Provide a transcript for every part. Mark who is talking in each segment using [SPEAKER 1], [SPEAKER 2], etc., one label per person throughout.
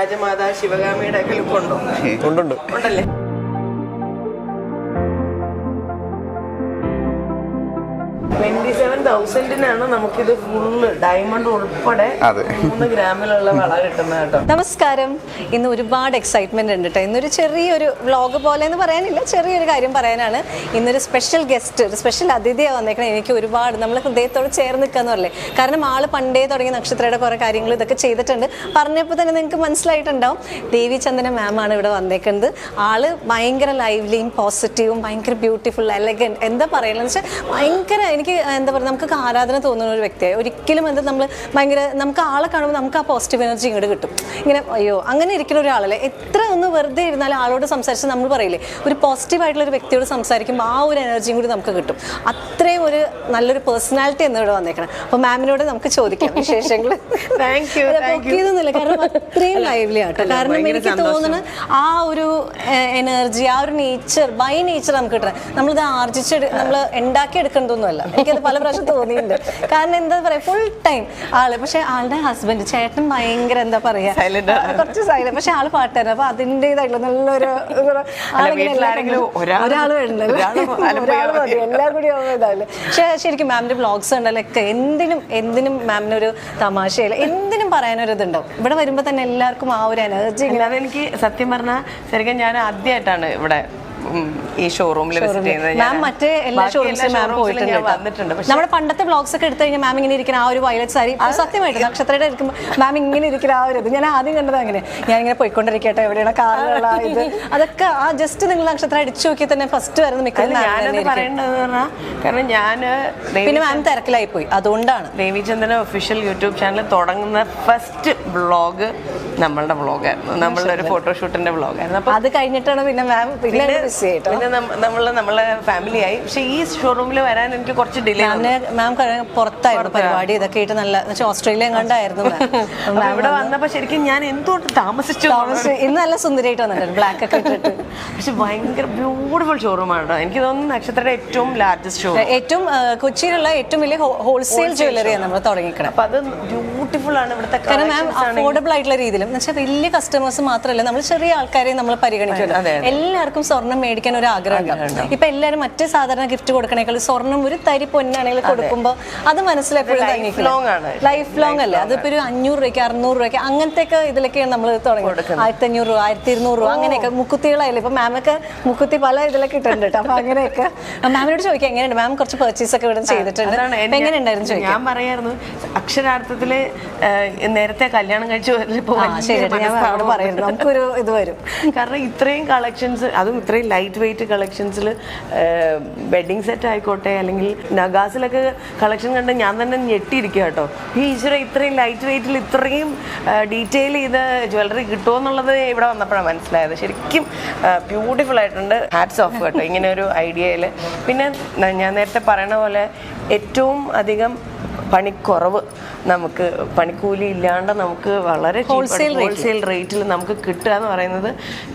[SPEAKER 1] രാജമാതാ ശിവകാമിയുടെ ഒക്കെ ലുക്ക് ഉണ്ടോ? ഉണ്ടല്ലേ? $27,000 നമുക്കിത് ഫുള്ള് ഡയമണ്ട് ഉൾപ്പെടെ 3 ഗ്രാമിലുള്ള വള കിട്ടുന്നത് കേട്ടോ.
[SPEAKER 2] നമസ്കാരം. ഇന്ന് ഒരുപാട് എക്സൈറ്റ്മെന്റ് ഉണ്ട് കേട്ടോ. ഇന്നൊരു ചെറിയൊരു വ്ളോഗ് പോലെ എന്ന് പറയാനില്ല, ചെറിയൊരു കാര്യം പറയാനാണ്. ഇന്നൊരു സ്പെഷ്യൽ ഗസ്റ്റ്, ഒരു സ്പെഷ്യൽ അതിഥിയാണ് വന്നേക്കണം. എനിക്ക് ഒരുപാട് നമ്മൾ ഹൃദയത്തോട് ചേർന്ന് നിൽക്കാന്ന് പറയല്ലേ. കാരണം ആള് പണ്ടേ തുടങ്ങിയ നക്ഷത്രയുടെ കുറെ കാര്യങ്ങൾ ഇതൊക്കെ ചെയ്തിട്ടുണ്ട്. പറഞ്ഞപ്പോൾ തന്നെ നിങ്ങൾക്ക് മനസ്സിലായിട്ടുണ്ടാവും. ദേവി ചന്ദന മാം ആണ് ഇവിടെ വന്നേക്കുന്നത്. ആള് ഭയങ്കര ലൈവ്ലിയും പോസിറ്റീവും ഭയങ്കര ബ്യൂട്ടിഫുൾ എലഗന്റ്, എന്താ പറയുന്നത് വെച്ചാൽ ഭയങ്കര എനിക്ക് എന്താ പറയുക, നമുക്ക് ആരാധന തോന്നുന്ന ഒരു വ്യക്തിയായി. ഒരിക്കലും എന്താ നമ്മൾ ഭയങ്കര നമുക്ക് ആളെ കാണുമ്പോൾ നമുക്ക് ആ പോസിറ്റീവ് എനർജി ഇങ്ങോട്ട് കിട്ടും. ഇങ്ങനെ അയ്യോ അങ്ങനെ ഇരിക്കുന്ന ഒരാളല്ലേ. എത്ര ഒന്ന് വെറുതെ ഇരുന്നാലും ആളോട് സംസാരിച്ച് നമ്മൾ പറയില്ലേ, ഒരു പോസിറ്റീവായിട്ടുള്ള ഒരു വ്യക്തിയോട് സംസാരിക്കുമ്പോൾ ആ ഒരു എനർജിയും കൂടി നമുക്ക് കിട്ടും. അത്രയും ഒരു നല്ലൊരു പേഴ്സണാലിറ്റി എന്ന് ഇവിടെ വന്നേക്കണം. അപ്പോൾ മാമിനോട് നമുക്ക് ചോദിക്കാം വിശേഷങ്ങൾ. പൊക്കിയതൊന്നുമില്ല, കാരണം അത്രയും ലൈവ്ലി ആട്ടോ. കാരണം എനിക്ക് തോന്നുന്നു ആ ഒരു എനർജി, ആ ഒരു നേച്ചർ, ബൈ നേച്ചർ നമുക്ക് കിട്ടണം. നമ്മളിത് നമ്മൾ ഉണ്ടാക്കിയെടുക്കേണ്ടതൊന്നുമല്ല. എനിക്കത് പല പ്രാവശ്യം തോന്നിയിട്ടുണ്ട്. കാരണം എന്താ പറയാ, ഫുൾ ടൈം ആള്, പക്ഷെ ആളുടെ ഹസ്ബൻഡ് ചേട്ടൻ ഭയങ്കര എന്താ പറയാ കുറച്ച് സൈലന്റ്, പക്ഷെ ആള് പാട്ടുകാരൻ. അപ്പൊ അതിൻ്റെതായിട്ടുള്ള നല്ലൊരു ഒരാള് വേണ്ടല്ലോ, ഒരാള് മതി, എല്ലാം കൂടി ഇതാവില്ല. പക്ഷെ ശരിക്കും മാമിന്റെ വ്ളോഗ്സ് ഉണ്ടല്ലൊക്കെ എന്തിനും മാമിനൊരു തമാശയില്ല, എന്തിനും പറയാനൊരു ഇതുണ്ടാവും. ഇവിടെ വരുമ്പോ തന്നെ എല്ലാവർക്കും ആ ഒരു എനർജി.
[SPEAKER 1] അതെനിക്ക് സത്യം പറഞ്ഞാൽ ശരിക്കും ഞാൻ ആദ്യമായിട്ടാണ് ഇവിടെ ഈ ഷോറൂമിൽ
[SPEAKER 2] മറ്റേ എല്ലാ ഷോറൂംസിലും മാം പോയിട്ടുണ്ട്. നമ്മുടെ പണ്ടത്തെ വ്ളോഗ്സ് ഒക്കെ എടുത്തു കഴിഞ്ഞാൽ മാം ഇങ്ങനെ ഇരിക്കുന്ന ആ ഒരു വയലറ്റ് സാരി, സത്യമായിട്ട് നക്ഷത്രയുടെ ഇരിക്കുമ്പോൾ മാം ഇങ്ങനെ ഇരിക്കുന്ന ആ ഒരു ഇത് ഞാൻ ആദ്യം കണ്ടത് അങ്ങനെ. ഞാനിങ്ങനെ പോയിക്കൊണ്ടിരിക്കട്ടെ, എവിടെയാണ് കാറുള്ള ഇത്, അതൊക്കെ ആ ജസ്റ്റ് നിങ്ങൾ നക്ഷത്രം അടിച്ചു നോക്കി തന്നെ ഫസ്റ്റ് വരുന്ന മിക്കതും
[SPEAKER 1] പറയേണ്ടത് പറഞ്ഞാൽ, കാരണം ഞാൻ
[SPEAKER 2] പിന്നെ മാം തിരക്കിലായി പോയി. അതുകൊണ്ടാണ്
[SPEAKER 1] ദേവിചന്ദന ഒഫീഷ്യൽ യൂട്യൂബ് ചാനൽ തുടങ്ങുന്ന ഫസ്റ്റ് വ്ളോഗ് നമ്മളുടെ വ്ളോഗായിരുന്നു, നമ്മളുടെ ഒരു ഫോട്ടോഷൂട്ടിന്റെ വ്ളോഗായിരുന്നു. അപ്പൊ
[SPEAKER 2] അത് കഴിഞ്ഞിട്ടാണ് പിന്നെ മാം പിന്നെ
[SPEAKER 1] നമ്മളെ ഫാമിലിയായി. പക്ഷെ ഈ ഷോറൂമിൽ വരാൻ എനിക്ക് കുറച്ച് ഡിലേ.
[SPEAKER 2] മാം പുറത്തായിരുന്നു പരിപാടി, ഇതൊക്കെ ആയിട്ട് നല്ല ഓസ്ട്രേലിയ കണ്ടായിരുന്നു.
[SPEAKER 1] ഇവിടെ വന്നപ്പോ ശരിക്കും ഞാൻ എന്തുകൊണ്ട് താമസിച്ചു.
[SPEAKER 2] ഇന്ന് നല്ല സുന്ദരിയായിട്ട് വന്നിട്ടുണ്ട്, ബ്ലാക്ക് ഒക്കെ ഇട്ടിട്ട്.
[SPEAKER 1] പക്ഷെ ഭയങ്കര ബ്യൂട്ടിഫുൾ ഷോറൂമാണ്. എനിക്ക് തോന്നുന്നു നക്ഷത്രയുടെ ഏറ്റവും ലാർജസ്റ്റ് ഷോറൂം,
[SPEAKER 2] ഏറ്റവും കൊച്ചിയിലുള്ള ഏറ്റവും വലിയ ഹോൾസെയിൽ ജ്വല്ലറിയാണ് നമ്മൾ തുടങ്ങിക്കണം.
[SPEAKER 1] അപ്പൊ അത് ബ്യൂട്ടിഫുൾ ആണ് ഇവിടുത്തെ.
[SPEAKER 2] കാരണം മാം അഫോർഡബിൾ ആയിട്ടുള്ള രീതിയിലും എന്ന് വെച്ചാൽ വലിയ കസ്റ്റമേഴ്സ് മാത്രമല്ല, നമ്മൾ ചെറിയ ആൾക്കാരെ നമ്മൾ പരിഗണിക്കുമല്ലോ. എല്ലാവർക്കും സ്വർണ്ണം മേടിക്കാൻ ഒരു ആഗ്രഹം. ഇപ്പൊ എല്ലാവരും മറ്റേ സാധാരണ ഗിഫ്റ്റ് കൊടുക്കണേക്കാൾ സ്വർണ്ണം ഒരു തരി പൊന്നാണെങ്കിൽ കൊടുക്കുമ്പോൾ അത് മനസ്സിലെപ്പോഴും ലൈഫ് ലോങ് അല്ലേ. അതിപ്പോ ഒരു 500 രൂപയ്ക്ക് 600 രൂപയ്ക്ക് അങ്ങനത്തെ ഇതിലൊക്കെയാണ് നമ്മൾ തുടങ്ങി. 1500 രൂപ 1200 രൂപ അങ്ങനെയൊക്കെ. മുക്കുത്തികളായില്ലേ ഇപ്പൊ മാമൊക്കെ മുക്കുത്തി പല ഇതിലൊക്കെ ഇട്ടുണ്ട് കേട്ടോ. അപ്പൊ അങ്ങനെയൊക്കെ മാമിനോട് ചോദിക്കാം എങ്ങനെയുണ്ട്. മാം കുറച്ച് പർച്ചേസ് ഒക്കെ ഇവിടെ ചെയ്തിട്ടുണ്ട്, എങ്ങനെയുണ്ടായിരുന്നു ചോദിക്കാം.
[SPEAKER 1] ഞാൻ പറയായിരുന്നു അക്ഷരാർത്ഥത്തില് നേരത്തെ കല്യാണം കഴിച്ചു
[SPEAKER 2] പറയുന്നത് നമുക്കൊരു ഇത് വരും.
[SPEAKER 1] കാരണം ഇത്രയും കളക്ഷൻസ്, അതും ഇത്രയും ലൈറ്റ് വെയിറ്റ് കളക്ഷൻസിൽ വെഡിങ് സെറ്റ് ആയിക്കോട്ടെ അല്ലെങ്കിൽ നഗാസിലൊക്കെ കളക്ഷൻ കണ്ട് ഞാൻ തന്നെ ഞെട്ടിയിരിക്കുക കേട്ടോ. ഈ ഈശ്വര ഇത്രയും ലൈറ്റ് വെയിറ്റിൽ ഇത്രയും ഡീറ്റെയിൽ ചെയ്ത് ജ്വല്ലറി കിട്ടുമോ എന്നുള്ളത് ഇവിടെ വന്നപ്പോഴാണ് മനസ്സിലായത്. ശരിക്കും ബ്യൂട്ടിഫുൾ ആയിട്ടുണ്ട്. ഹാറ്റ്സ് ഓഫ് കേട്ടോ ഇങ്ങനെ ഒരു ഐഡിയയിൽ. പിന്നെ ഞാൻ നേരത്തെ പറയണ പോലെ ഏറ്റവും അധികം പണിക്കുറവ്, നമുക്ക് പണിക്കൂലി ഇല്ലാണ്ട് നമുക്ക് വളരെ ഹോൾസെയിൽ റേറ്റിൽ നമുക്ക് കിട്ടുക എന്ന് പറയുന്നത്,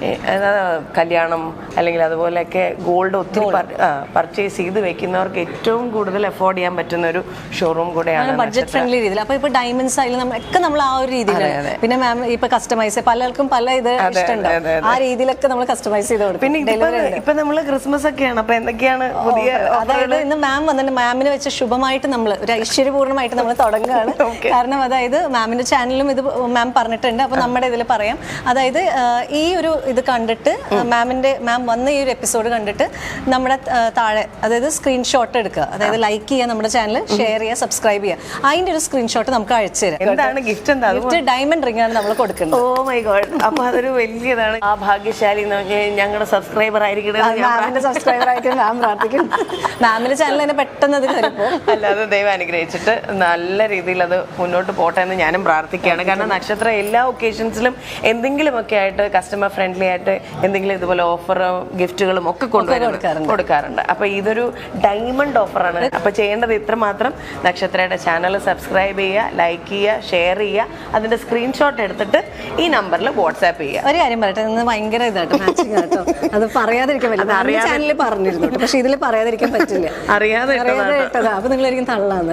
[SPEAKER 1] കല്യാണം അല്ലെങ്കിൽ അതുപോലെയൊക്കെ ഗോൾഡ് ഒത്തിരി പർച്ചേസ് ചെയ്ത് വെക്കുന്നവർക്ക് ഏറ്റവും കൂടുതൽ അഫോർഡ് ചെയ്യാൻ പറ്റുന്ന ഒരു ഷോറൂം കൂടെയാണ്.
[SPEAKER 2] ബഡ്ജറ്റ് ഫ്രണ്ട്ലി രീതിയിൽ. അപ്പൊ ഇപ്പൊ ഡയമണ്ട്സ് ആയാലും നമ്മളൊക്കെ നമ്മൾ ആ ഒരു രീതിയിലാണ്. പിന്നെ മാം ഇപ്പൊ കസ്റ്റമൈസ് പലർക്കും പല ഇത് ഇഷ്ടമുണ്ട്, ആ രീതിയിലൊക്കെ നമ്മൾ കസ്റ്റമൈസ് ചെയ്ത് കൊടുക്കും.
[SPEAKER 1] പിന്നെ ഇപ്പൊ നമ്മള് ക്രിസ്മസ് ഒക്കെയാണ്, അപ്പൊ എന്തൊക്കെയാണ് പുതിയ,
[SPEAKER 2] അതായത് ഇന്ന് മാം വന്നിട്ട് മാമിനെ വെച്ച് ശുഭമായിട്ട് നമ്മൾ ഒരു ഐശ്വര്യപൂർണ്ണമായിട്ട് നമ്മൾ തുടങ്ങുകയാണ്. കാരണം അതായത് മാമിന്റെ ചാനലിലും ഇത് മാം പറഞ്ഞിട്ടുണ്ട്. അപ്പൊ നമ്മുടെ ഇതിൽ പറയാം, അതായത് ഈ ഒരു ഇത് കണ്ടിട്ട് മാം വന്ന ഈ ഒരു എപ്പിസോഡ് കണ്ടിട്ട് നമ്മുടെ താഴെ അതായത് സ്ക്രീൻഷോട്ട് എടുക്കുക, അതായത് ലൈക്ക് ചെയ്യുക, നമ്മുടെ ചാനൽ ഷെയർ ചെയ്യുക, സബ്സ്ക്രൈബ് ചെയ്യുക. അതിന്റെ ഒരു സ്ക്രീൻഷോട്ട് നമുക്ക് അയച്ചു തരാം.
[SPEAKER 1] എന്താണ് ഗിഫ്റ്റ്? എന്താ
[SPEAKER 2] ഗിഫ്റ്റ്? ഡയമണ്ട് റിംഗ് ആണ് നമ്മൾ കൊടുക്കുന്നത്.
[SPEAKER 1] Oh my god. അപ്പൊ അതൊരു വലിയതാണ്. ആ ഭാഗ്യശാലി ഞങ്ങളുടെ സബ്സ്ക്രൈബർ ആയിരിക്കും,
[SPEAKER 2] സബ്സ്ക്രൈബർ ആയിരിക്കും മാം പ്രാർത്ഥിക്കും. മാമിന്റെ ചാനൽ തന്നെ പെട്ടെന്ന് അത് കയറിപ്പോ.
[SPEAKER 1] അല്ലാതെ ദൈവം അനുഗ്രഹിച്ചിട്ട് നല്ല രീതിയിൽ അത് മുന്നോട്ട് പോട്ടെ എന്ന് ഞാനും പ്രാർത്ഥിക്കുകയാണ്. കാരണം നക്ഷത്ര എല്ലാ ഒക്കേഷൻസിലും എന്തെങ്കിലുമൊക്കെ ആയിട്ട് കസ്റ്റമർ ഫ്രണ്ട്ലി ആയിട്ട് എന്തെങ്കിലും ഇതുപോലെ ഓഫറും ഗിഫ്റ്റുകളും ഒക്കെ കൊടുക്കാറുണ്ട്. അപ്പൊ ഇതൊരു ഡയമണ്ട് ഓഫറാണ്. അപ്പൊ ചെയ്യേണ്ടത് ഇത്രമാത്രം, നക്ഷത്രയുടെ ചാനൽ സബ്സ്ക്രൈബ് ചെയ്യുക, ലൈക്ക് ചെയ്യുക, ഷെയർ ചെയ്യുക, അതിന്റെ സ്ക്രീൻഷോട്ട് എടുത്തിട്ട് ഈ നമ്പറിൽ വാട്സാപ്പ് ചെയ്യുക.
[SPEAKER 2] ഒരു കാര്യം പറയട്ടെ, ഇന്ന് ഭയങ്കര ഇതായിട്ട് മാച്ചിങ് ആട്ടോ. അത് പറയാതിരിക്കാൻ പറ്റില്ല. ചാനലിൽ പറഞ്ഞിരുന്നു, പക്ഷെ ഇതിൽ പറയാതിരിക്കാൻ പറ്റില്ല.
[SPEAKER 1] അറിയാതെ
[SPEAKER 2] അപ്പൊ നിങ്ങളായിരിക്കും തള്ളാന്ന് എല്ലാവരും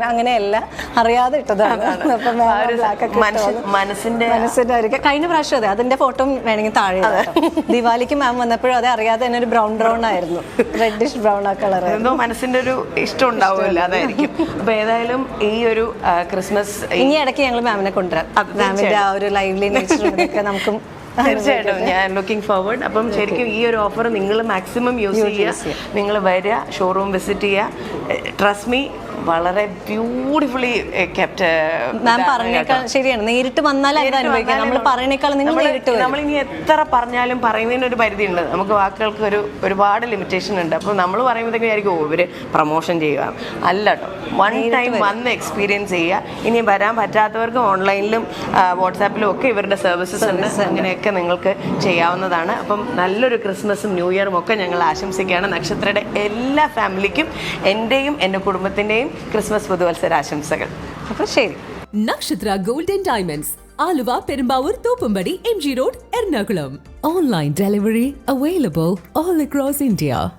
[SPEAKER 2] അങ്ങനെയല്ല, അറിയാതെ ഇട്ടതാണ്. അപ്പം
[SPEAKER 1] ആ ഒരു മനസ്സിന്റെ
[SPEAKER 2] മനസ്സിന്റെ കഴിഞ്ഞ പ്രാവശ്യം അതെ, അതിന്റെ ഫോട്ടോ വേണമെങ്കിൽ താഴെ ദിവാലിക്ക് മാം വന്നപ്പോഴും അതെ, അറിയാതെ തന്നെ ഒരു ബ്രൗൺ ആയിരുന്നു, റെഡിഷ് ബ്രൗൺ ആ കളർ.
[SPEAKER 1] എന്തോ മനസ്സിന്റെ ഒരു ഇഷ്ടം ഉണ്ടാവുമല്ലോ, അതായിരിക്കും. അപ്പൊ ഏതായാലും ഈ ഒരു ക്രിസ്മസ്
[SPEAKER 2] ഇനി ഇടയ്ക്ക് ഞങ്ങൾ മാമിനെ കൊണ്ടുവരാം. മാമിന്റെ ആ ഒരു ലൈവ്ലി നേച്ചർ നമുക്കും
[SPEAKER 1] തീർച്ചയായിട്ടും ഞാൻ ലുക്കിംഗ് ഫോർവേഡ്. അപ്പം ശരിക്കും ഈ ഒരു ഓഫർ നിങ്ങൾ മാക്സിമം യൂസ് ചെയ്യുക. നിങ്ങൾ വരിക, ഷോറൂം വിസിറ്റ് ചെയ്യുക. ട്രസ്റ്റ് മീ, വളരെ ബ്യൂട്ടിഫുള്ളി കെപ്റ്റ്.
[SPEAKER 2] മാം പറഞ്ഞേക്കാൾ ശരിയാണ്, നേരിട്ട് വന്നാൽ അനുഭവിക്കാം. നമ്മൾ പറയണേക്കാൾ നിങ്ങൾ നേരിട്ട് വരും.
[SPEAKER 1] നമ്മളിനി എത്ര പറഞ്ഞാലും പറയുന്നതിന് ഒരു പരിധി ഉണ്ട്. നമുക്ക് വാക്കുകൾക്ക് ഒരുപാട് ലിമിറ്റേഷൻ ഉണ്ട്. അപ്പോൾ നമ്മൾ പറയുമ്പോഴത്തേക്കും ആയിരിക്കും ഇവര് പ്രൊമോഷൻ ചെയ്യുക. അല്ല കേട്ടോ, വൺ ടൈം വന്ന് എക്സ്പീരിയൻസ് ചെയ്യുക. ഇനി വരാൻ പറ്റാത്തവർക്ക് ഓൺലൈനിലും വാട്സാപ്പിലും ഒക്കെ ഇവരുടെ സർവീസസ് ഉണ്ട്. അങ്ങനെയൊക്കെ നിങ്ങൾക്ക് ചെയ്യാവുന്നതാണ്. അപ്പം നല്ലൊരു ക്രിസ്മസും ന്യൂ ഇയറും ഒക്കെ ഞങ്ങൾ ആശംസിക്കുകയാണ്. നക്ഷത്രയുടെ എല്ലാ ഫാമിലിക്കും എൻ്റെയും എൻ്റെ കുടുംബത്തിൻ്റെയും ക്രിസ്മസ് പുതുവത്സര ആശംസകൾ.
[SPEAKER 2] അപ്പോൾ ശരി.
[SPEAKER 3] Nakshatra gold and diamonds, Aluva, Perumbavoor, Thoppumpady, MG road, Ernakulam. Online delivery available all across India.